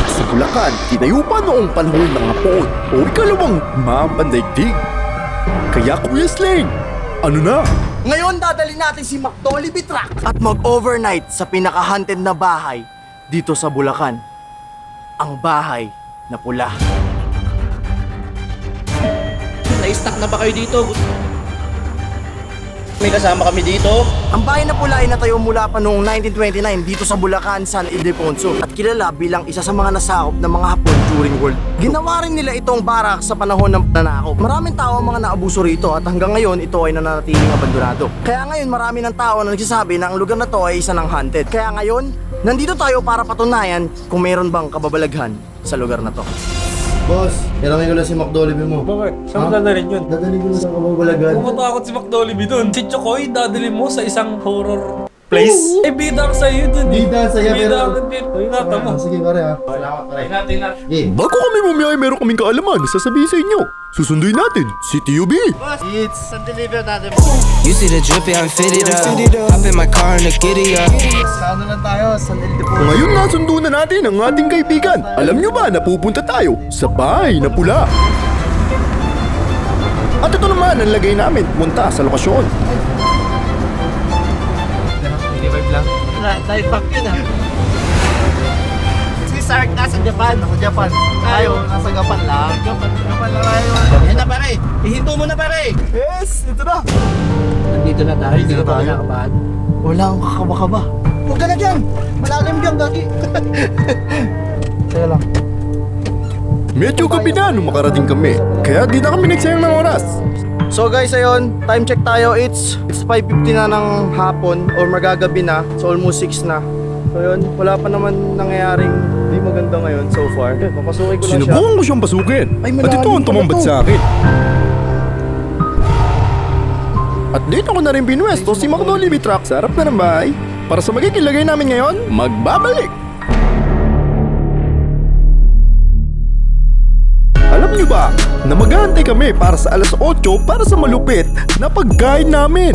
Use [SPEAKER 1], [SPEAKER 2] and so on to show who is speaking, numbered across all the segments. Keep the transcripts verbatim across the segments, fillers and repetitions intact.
[SPEAKER 1] sa Bulacan, tinayo pa noong panahon ng Hapon o ikalawang maampandaigdig. Kaya Kuya Sling, ano na?
[SPEAKER 2] Ngayon dadali natin si McDolly Truck at mag-overnight sa pinaka-haunted na bahay dito sa Bulacan. Ang bahay na pula.
[SPEAKER 3] Na-stuck na ba kayo dito? May kasama kami dito.
[SPEAKER 2] Ang bahay na pula ay natayo mula pa noong nineteen twenty-nine dito sa Bulacan, San Ildefonso at kilala bilang isa sa mga nasakop ng mga Hapon during World War Two. Ginawa rin nila itong barak sa panahon ng nanakop. Maraming tao ang mga naabuso rito at hanggang ngayon ito ay nananatiling abandonado. Kaya ngayon marami ng tao na nagsasabi na ang lugar na to ay isa ng haunted. Kaya ngayon, nandito tayo para patunayan kung meron bang kababalaghan sa lugar na to.
[SPEAKER 4] Boss, kailangan ko lang si McDolly mo.
[SPEAKER 5] Bakit? Saan mo dadalhin yun?
[SPEAKER 4] Dadali ko na sa kababalagan.
[SPEAKER 5] Pumutakot si McDolibee dun. Si Chokoy, dadalhin mo sa isang horror place. Eh, bida ka sa'yo dun.
[SPEAKER 4] Bida sa'yo,
[SPEAKER 5] Bida
[SPEAKER 4] pero-
[SPEAKER 5] ka dito. Ingatan mo.
[SPEAKER 4] Ah, sige pare ha. Salamat pare.
[SPEAKER 5] Ingat, ingat.
[SPEAKER 4] Sige.
[SPEAKER 1] Bago kami bumiyay, meron kaming kaalaman na sasabihin sa inyo. Susunduin natin si T U B.
[SPEAKER 4] It's deliver natin.
[SPEAKER 6] You see the drippy, I'm fitted up. Hop in my car and the giddy up.
[SPEAKER 4] Sa ano lang tayo, San Ildefonso.
[SPEAKER 1] Ngayon nasundo na natin ang ating kaibigan. Alam nyo ba na pupunta tayo sa bahay na pula? At ito naman ang lagay namin punta sa lokasyon.
[SPEAKER 4] Night back yun ah. Si Sark nasa Japan, ako Japan. Tayo, nasa Japan lang. Japan, Japan lang tayo.
[SPEAKER 3] Yan na pare. Ihinto mo na pare.
[SPEAKER 4] Yes, ito na.
[SPEAKER 3] Nandito na tayo.
[SPEAKER 4] Nandito
[SPEAKER 3] Hindi ka pa
[SPEAKER 4] tayo.
[SPEAKER 3] kinakabahan.
[SPEAKER 2] Wala akong kakaba-kaba.
[SPEAKER 4] Huwag ka na dyan. Malalim dyan, gagi. Kaya lang.
[SPEAKER 1] Medyo gabi na nung makarating kami. Kaya di na kami nagsayang ng oras.
[SPEAKER 2] So guys, ayun, time check tayo. It's it's five fifty na ng hapon or magagabi na. So almost six na. So yun, wala pa naman nangyayaring di maganda ngayon so far. Papasukin ko lang siya.
[SPEAKER 1] Sinubukan ko siyang pasukin.
[SPEAKER 2] Ay,
[SPEAKER 1] At ito ang
[SPEAKER 2] malalim
[SPEAKER 1] tumambad
[SPEAKER 2] pala to.
[SPEAKER 1] sa akin. At dito ko na rin pinwesto si McDolibee Truck sa harap na ng bahay. Para sa magiging lagay namin ngayon, magbabalik. Alam niyo ba na mag-aantay kami para sa alas otso para sa malupit na pagkain namin?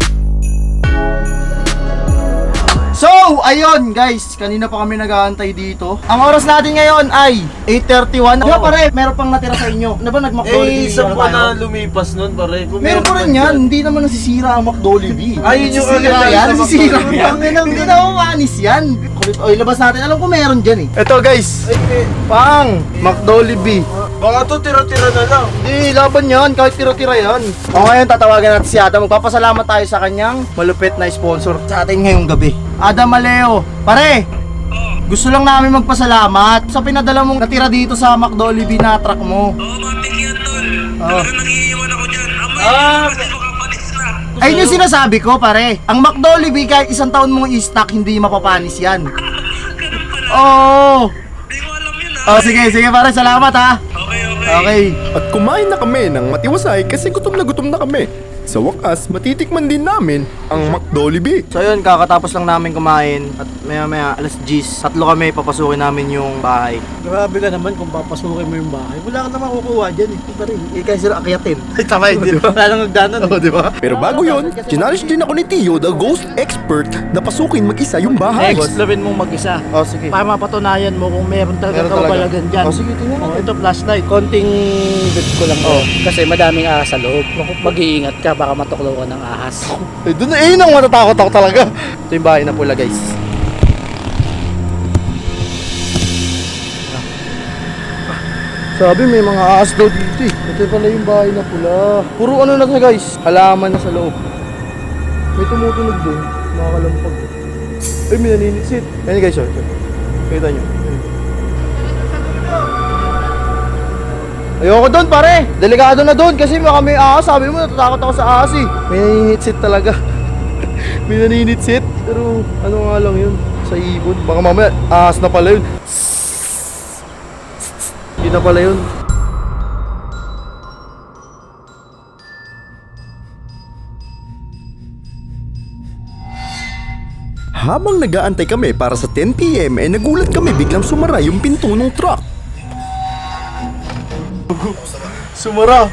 [SPEAKER 2] So, ayun guys, kanina pa kami nag-aantay dito. Ang oras natin ngayon ay eight thirty-one. Di ba pare, meron pang natira sa inyo. Ano ba nag-McDolibee?
[SPEAKER 7] Eh, isang
[SPEAKER 2] ano
[SPEAKER 7] pa
[SPEAKER 2] tayo?
[SPEAKER 7] na lumipas nun, pare. Kung
[SPEAKER 2] Meron pa rin yan, hindi naman nasisira ang McDolibee.
[SPEAKER 7] Ay, yun yung
[SPEAKER 2] Nasisira
[SPEAKER 7] agad
[SPEAKER 2] yan,
[SPEAKER 7] sa
[SPEAKER 2] nasisira
[SPEAKER 7] McDolibee.
[SPEAKER 2] yan. Hindi na umanis yan. Kulit, oy, labas natin. Alam ko meron dyan eh. Ito guys, pang McDolibee.
[SPEAKER 7] baka to tira-tira na lang.
[SPEAKER 2] Hindi, laban yan, kahit tira-tira yan. O ngayon, tatawagan natin si Adam. Magpapasalamat tayo sa kanyang malupit na sponsor sa atin ngayong gabi. Adam Maleo, pare! Gusto lang namin magpasalamat sa pinadala mong natira dito sa McDolibee na truck mo.
[SPEAKER 8] Oo, matik yan, tol.
[SPEAKER 2] Oo.
[SPEAKER 8] Talagang nangiiwan ako dyan. Amoy,
[SPEAKER 7] Ah,
[SPEAKER 8] kasi makapalis na.
[SPEAKER 2] Ayun yung sinasabi ko, pare. Ang McDolibee, kahit isang taon mong i-stock, hindi mapapanis yan.
[SPEAKER 8] Ganun pala.
[SPEAKER 2] Oo!
[SPEAKER 8] Di ko alam yun, ha?
[SPEAKER 2] Oh, sige, sige pare, salamat ha.
[SPEAKER 8] Okay, okay.
[SPEAKER 2] Okay.
[SPEAKER 1] At kumain na kami ng matiwasay kasi gutom na gutom na kami. Sa wakas, matitikman din namin ang McDolibee.
[SPEAKER 2] So yun, kakatapos lang namin kumain at maya maya alas diyes, tatlo kami papasukin namin yung bahay.
[SPEAKER 3] Grabe ka naman kung papasukin mo yung bahay. Wala ka naman kukuha dyan eh.
[SPEAKER 2] Ito rin, eh kasi sila akyatin.
[SPEAKER 4] Ay, tama yun, di ba?
[SPEAKER 3] Wala nang nagdanan eh.
[SPEAKER 4] Oo, di ba?
[SPEAKER 1] Pero bago yon, challenge din ako ni Tio, the ghost expert, na pasukin mag-isa yung bahay.
[SPEAKER 3] Explorin mong mag-isa.
[SPEAKER 2] Oh, sige.
[SPEAKER 3] Para mapatunayan mo kung meron talaga
[SPEAKER 2] Meron talaga.
[SPEAKER 3] kababalagan dyan.
[SPEAKER 2] Oh, sige, tingnan
[SPEAKER 3] Oh,
[SPEAKER 2] natin.
[SPEAKER 3] ito flashlight. Konting bit ko lang oh. Kasi madaming ahas sa loob. Mag-iingat ka, baka matuklaw ka ng ahas.
[SPEAKER 2] Eh, dun, eh, yun ang matatakot ako talaga. Ito yung bahay na pula, guys. Sabi may mga ahas daw dito eh. Ito pala yung bahay na pula. Puro ano na to guys, halaman na sa loob. May tumutunog doon, makakalampag. Ay, may naninitsit. Ayan guys, oh. Kita nyo. Ayoko doon pare, delikado na doon kasi baka may ahas. Sabi mo natatakot ako sa ahas eh. May naninitsit talaga. May naninitsit. Pero ano nga lang yun, sa ibon. Baka mamaya ahas na pala yun. Yun na pala yun.
[SPEAKER 1] Habang nag-aantay kami para sa ten p m ay nagulat kami biglang sumara yung pinto ng truck.
[SPEAKER 2] Sumara.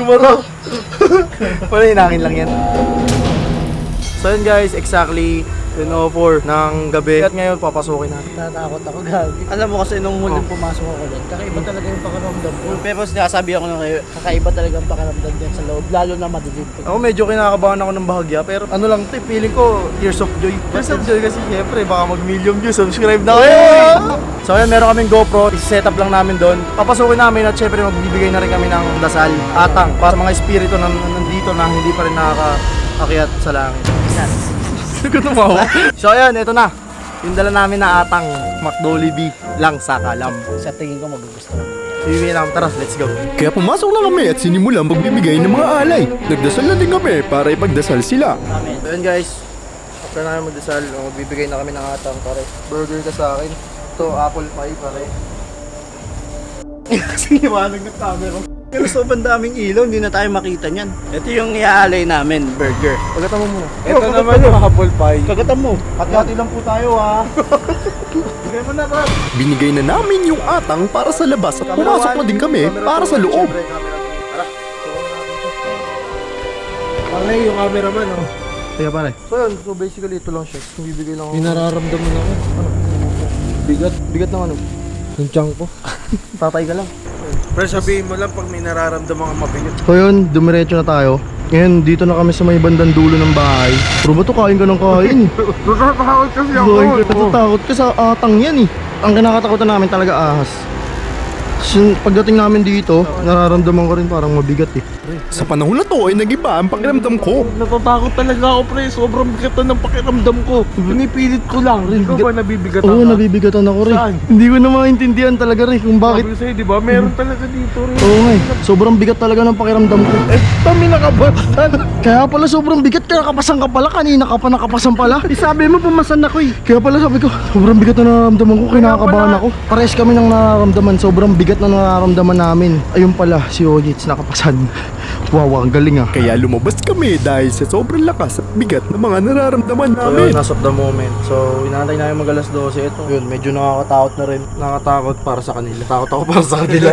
[SPEAKER 2] Sumara. Wala, hinangin lang yan. So yun guys, exactly ten oh four ng gabi. At ngayon, papasukin natin.
[SPEAKER 3] Tatakot ako, gagi. Alam mo kasi nung huling pumasok ako doon, kakaiba talaga yung pakiramdam ko. Pero sinasabi ako nung kayo, kakaiba talaga yung pakiramdam dyan sa loob, lalo na madilim.
[SPEAKER 2] Ako medyo kinakabahan ako ng bahagya, pero ano lang ito, feeling ko tears of joy. Tears of joy kasi syempre baka mag-million views, subscribe na kayo! So ayan, meron kaming GoPro, set up lang namin doon. Papasukin namin at syempre magbibigay na rin kami ng dasal, atang, para mga espiritu na nandito na hindi pa rin nakakaakyat sa langit. Sagot mo ako. So ayan, ito na. Yung dala namin na atang, McDolly lang sa kalam.
[SPEAKER 3] Sa tingin ko magugustuhan.
[SPEAKER 2] Iwi namin, tara, let's go.
[SPEAKER 1] Kaya pumasok na kami at sinimulan magbibigay ng mga alay. Nagdasal na din kami para ipagdasal sila.
[SPEAKER 3] Amen.
[SPEAKER 2] So yun guys, after namin magdasal, oh, magbibigay na kami ng atang, pare. Burger ka sa akin. Ito, apple pie, pare. Kasi liwanag ng camera.
[SPEAKER 3] Pero sobrang daming ilaw, hindi na tayo makita niyan. Ito yung iaalay namin, burger.
[SPEAKER 2] Pagkata mo muna.
[SPEAKER 7] Ito naman yung apple pie.
[SPEAKER 3] Kagatan mo.
[SPEAKER 2] Hati-hati lang po tayo ha. Bigay mo na, bro.
[SPEAKER 1] Binigay na namin yung atang para sa labas at pumasok na din kami para sa loob.
[SPEAKER 7] Pare, yung cameraman, oh.
[SPEAKER 2] Kaya pare. So yun, so basically ito lang siya. Bibigay lang ako.
[SPEAKER 7] May nararamdaman ako.
[SPEAKER 2] Bigat. Bigat ng ano?
[SPEAKER 7] Yung tiyan ko.
[SPEAKER 2] Tatay ka lang.
[SPEAKER 7] Pero sabihin mo lang pag may nararamdaman kang mabigat.
[SPEAKER 2] So yun, dumiretso na tayo. Ngayon, dito na kami sa may bandang dulo ng bahay. Pero ba ito, kain ka ng kain?
[SPEAKER 7] Natatakot kasi
[SPEAKER 2] Kain ka, natatakot ka sa atang yan eh. Ang kinakatakutan namin talaga ahas. Sin- Pagdating namin dito, nararamdaman ko rin parang mabigat eh.
[SPEAKER 1] Sa panahon na to ay nag-iba ang pakiramdam ko.
[SPEAKER 7] Natatakot talaga ako, pre. Sobrang bigatan ng pakiramdam ko. Pinipilit ko lang. Ikaw ba nabibigatan
[SPEAKER 2] Oo,
[SPEAKER 7] ka?
[SPEAKER 2] nabibigatan ako rin.
[SPEAKER 7] Saan?
[SPEAKER 2] Hindi ko na maintindihan talaga rin kung bakit.
[SPEAKER 7] Sabi ko sa'yo, di ba? Meron talaga dito rin.
[SPEAKER 2] Oo nga eh, sobrang bigat talaga ng pakiramdam ko.
[SPEAKER 7] Eh, kami nakabasan.
[SPEAKER 2] Kaya pala sobrang bigat ka, nakapasan ka pala, kanina ka pa nakapasan pala.
[SPEAKER 7] Eh, sabi mo, pumasan ako eh.
[SPEAKER 2] Kaya pala sabi ko, sobrang bigat na nararamdaman ko, kinakabahan ako. Pares kami ng nararamdaman, sobrang bigat na nararamdaman namin. Ayun pala, si Ojits nakapasan. Wow, ang galing ah.
[SPEAKER 1] Kaya lumabas kami dahil sa sobrang lakas at bigat ng mga nararamdaman
[SPEAKER 2] So
[SPEAKER 1] namin.
[SPEAKER 2] yun, as of the moment. So, inantay namin mag alas dose. Ito, yun, medyo nakakatakot na rin. Nakakatakot para sa kanila. Takot ako para sa kanila.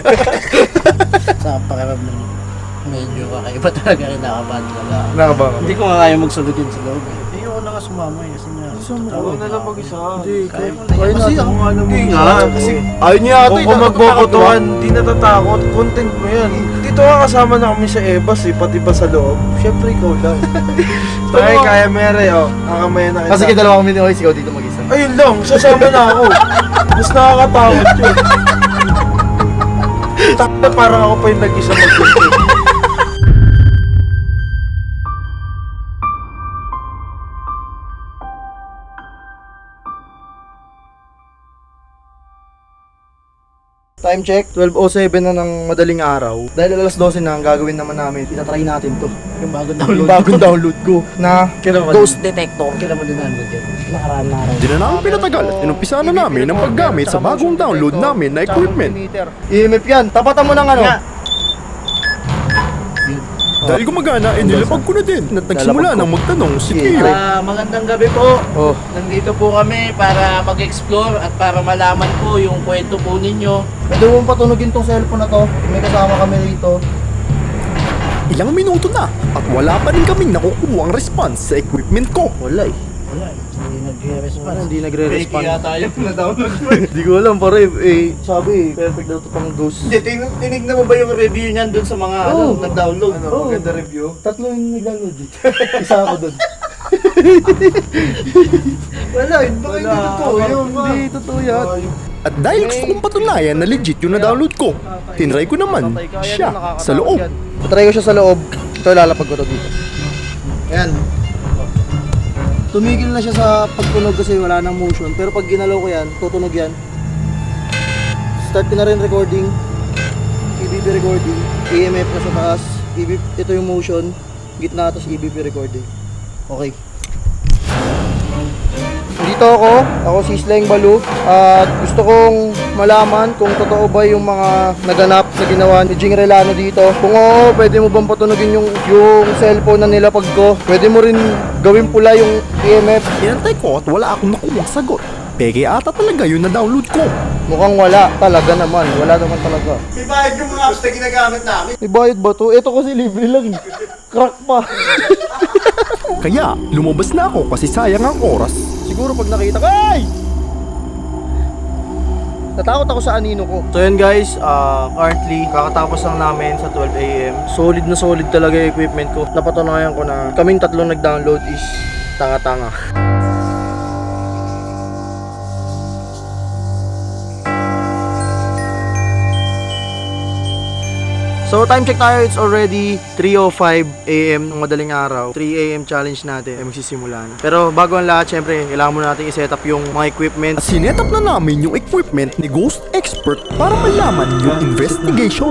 [SPEAKER 3] Sa pakiramdam, medyo kakaiba talaga, kinakabahan talaga.
[SPEAKER 2] Nakakabahan.
[SPEAKER 3] Hindi ko nga kaya magsulod yun sa loob eh. Hindi ako na nga sumama eh, kasi nga.
[SPEAKER 7] Ako na lang mag-isa.
[SPEAKER 2] Hindi,
[SPEAKER 3] Kaya mo na
[SPEAKER 2] kaya
[SPEAKER 3] yan.
[SPEAKER 2] kasi
[SPEAKER 7] Ako nga lang
[SPEAKER 2] Hindi
[SPEAKER 7] mag-isa.
[SPEAKER 2] nga, kasi ayaw niya ata.
[SPEAKER 7] Kung magbobotohan, di natatakot. Content mo yan. Dito ka kasama na kami sa Ebas eh, pati ba sa loob? Siyempre ikaw lang. Tayo kaya mere oh. Kakamayan na kita.
[SPEAKER 2] Kasi kita dalawa kami ni Ois, ikaw dito mag-isa.
[SPEAKER 7] Ayun lang, sasama na ako. Mas nakakatakot yun. Takot parang ako pa yung nag-isa mag-gusto.
[SPEAKER 2] Time check, twelve oh seven na ng madaling araw. Dahil alas dose na, ang gagawin naman namin, itatry natin to.
[SPEAKER 3] Yung bagong
[SPEAKER 2] Yung
[SPEAKER 3] download.
[SPEAKER 2] bagong download ko na Ghost Detector.
[SPEAKER 3] Kailan mo download yun? Nakaraan na araw.
[SPEAKER 1] Di na namin pinatagal at inumpisa na namin ang paggamit sa bagong download namin na equipment.
[SPEAKER 2] I M F yan, tapatan mo ng ano?
[SPEAKER 1] Dahil gumagana, eh nilapag ko na din at nagsimula nang magtanong si Kiyo.
[SPEAKER 3] Ah, magandang gabi po.
[SPEAKER 2] Oh.
[SPEAKER 3] Nandito po kami para mag-explore at para malaman po yung kwento po ninyo.
[SPEAKER 2] Pwede mo patunogin tong cellphone na to. May kasama kami rito.
[SPEAKER 1] Ilang minuto na at wala pa rin kaming nakukuha ang response sa equipment ko.
[SPEAKER 2] Wala eh.
[SPEAKER 3] Wala eh. Hindi nag-response.
[SPEAKER 2] Hindi nagre-respond.
[SPEAKER 3] Fake yata yung na-download mo.
[SPEAKER 2] Hindi ko alam pare, eh, sabi eh, perfect daw to pang ghost.
[SPEAKER 3] Hindi, tin- tinignan mo ba yung review niyan dun sa mga ano,
[SPEAKER 2] Oo.
[SPEAKER 3] nag-download?
[SPEAKER 7] Ano,
[SPEAKER 2] Oh.
[SPEAKER 7] maganda review?
[SPEAKER 2] Tatlo yung nag-download eh. Isa ako doon. Wala, eh, baka hindi
[SPEAKER 7] Wala,
[SPEAKER 2] totoo
[SPEAKER 7] akala
[SPEAKER 2] yun.
[SPEAKER 7] ko ba?
[SPEAKER 2] Hindi totoo yan.
[SPEAKER 1] At dahil gusto kong patunayan na legit yung na-download ko, tinry ko naman siya sa loob.
[SPEAKER 2] Patry ko siya sa loob. Ito, lalapag ko to dito. Ayan. Tumigil na siya sa pagtunog kasi wala nang motion. Pero pag ginalaw ko yan, tutunog yan. Start ko na rin recording. E B P recording. E M F na sa taas. E B P, ito yung motion. Gitna, tapos E B P recording. Okay. Dito ako, ako si Sleng Balu at gusto kong malaman kung totoo ba yung mga naganap na ginawa ni Jing Relano dito. Kung oo, pwede mo bang patunogin yung, yung cellphone na nilapag ko? Pwede mo rin gawin pula yung E M F?
[SPEAKER 1] Inantay ko at wala akong nakuha sagot. Peke ata talaga yung na-download ko.
[SPEAKER 2] Mukhang wala, talaga naman. Wala naman talaga.
[SPEAKER 4] May bayad yung mga apps na ginagamit namin.
[SPEAKER 2] May bayad ba to? Ito kasi libre lang. eh. Crack pa.
[SPEAKER 1] Kaya lumabas na ako kasi sayang ang oras.
[SPEAKER 2] Siguro pag nakita ko, ay! Natakot ako sa anino ko. So yun guys, ah, currently, kakatapos lang namin sa twelve a m Solid na solid talaga yung equipment ko. Napatunayan ko na kaming tatlong nag-download is tanga-tanga. So time check tayo, it's already three oh five a m ng madaling araw. three a m challenge natin ay magsisimula na. Pero bago ang lahat, syempre, kailangan muna natin i-set up yung mga equipment.
[SPEAKER 1] At sinetap na namin yung equipment ni Ghost Expert para malaman yung investigation.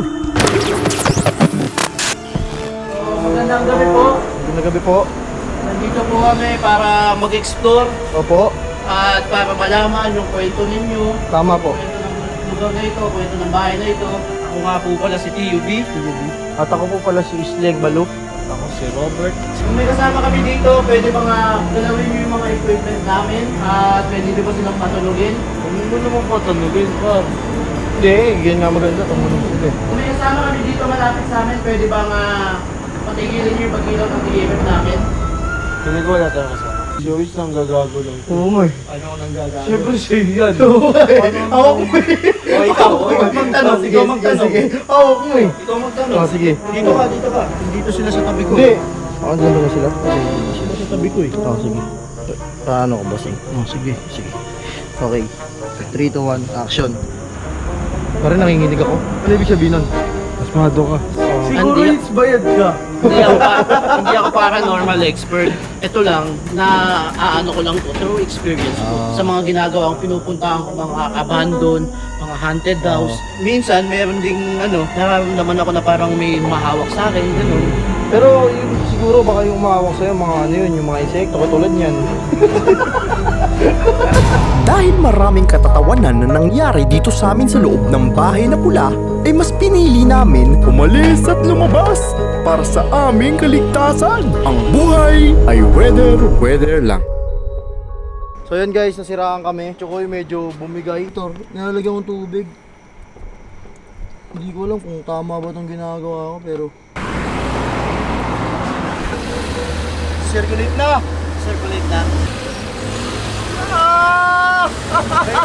[SPEAKER 3] Magandang gabi po.
[SPEAKER 2] Magandang gabi po.
[SPEAKER 3] Nandito po kami para mag-explore
[SPEAKER 2] Opo,
[SPEAKER 3] at para malaman yung kwento ninyo.
[SPEAKER 2] tama po.
[SPEAKER 3] Kwento ng lugar na ito, kwento ng bahay na ito. Ako nga po pala si T U B.
[SPEAKER 2] At ako po pala si Isleg Baluk.
[SPEAKER 3] Ako si Robert. Kung may kasama kami dito, pwede mga galawin nyo yung mga equipment namin at pwede nyo ba silang patulugin?
[SPEAKER 7] Hindi mo naman patanugin, par.
[SPEAKER 2] Hindi, yan nga maganda. Tumunong sila eh.
[SPEAKER 3] Kung may kasama kami dito malapit sa amin, pwede ba nga patigilin nyo yung pagkilaw ng T M namin?
[SPEAKER 7] Hindi ko wala tayong kasama. Si Ois lang gagago lang.
[SPEAKER 2] Oo nga eh.
[SPEAKER 3] Ano ang nanggagawa?
[SPEAKER 7] Siyempre siya yan.
[SPEAKER 2] Ako ko eh.
[SPEAKER 3] O ikaw, ikaw magtanong,
[SPEAKER 2] Sige,
[SPEAKER 3] ikaw
[SPEAKER 2] sige,
[SPEAKER 3] magtanong.
[SPEAKER 2] sige. Ako ko eh.
[SPEAKER 3] Ikaw magtanong.
[SPEAKER 2] Oh, sige.
[SPEAKER 3] Dito ka, dito ka. Dito sila sa tabi ko.
[SPEAKER 2] Hindi. Ako dito na sila.
[SPEAKER 3] Sila sa tabi ko eh.
[SPEAKER 2] Oh, sige. Paano ko bossing? Oh, sige, sige. Okay. three, two, one, action. Parang nanginginig ako. Ano ibig sabihin nun?
[SPEAKER 7] Asmado ka. Siguro
[SPEAKER 3] Hindi-
[SPEAKER 7] it's bayad ka.
[SPEAKER 3] hindi ako pa, hindi ako paranormal expert. Ito lang na aano ko lang to through experience ko sa mga ginagawang pinupuntahan ko mga abandon, mga haunted house. Minsan meron ding ano, nararamdaman ako na parang may mahawak sa akin, ganun.
[SPEAKER 2] Pero yung, siguro baka yung umawak sa'yo, mga ano yun, yung mga insekto, katulad niyan.
[SPEAKER 1] Dahil maraming katatawanan na nangyari dito sa amin sa loob ng bahay na pula, ay mas pinili namin umalis at lumabas para sa aming kaligtasan. Ang buhay ay weather, weather lang.
[SPEAKER 2] So yun guys, nasiraan kami. Chokoy medyo bumigay. Tor, nilalagyan kong tubig. Hindi ko alam kung tama ba itong ginagawa ko, pero... Circulate na!
[SPEAKER 3] Circulate na.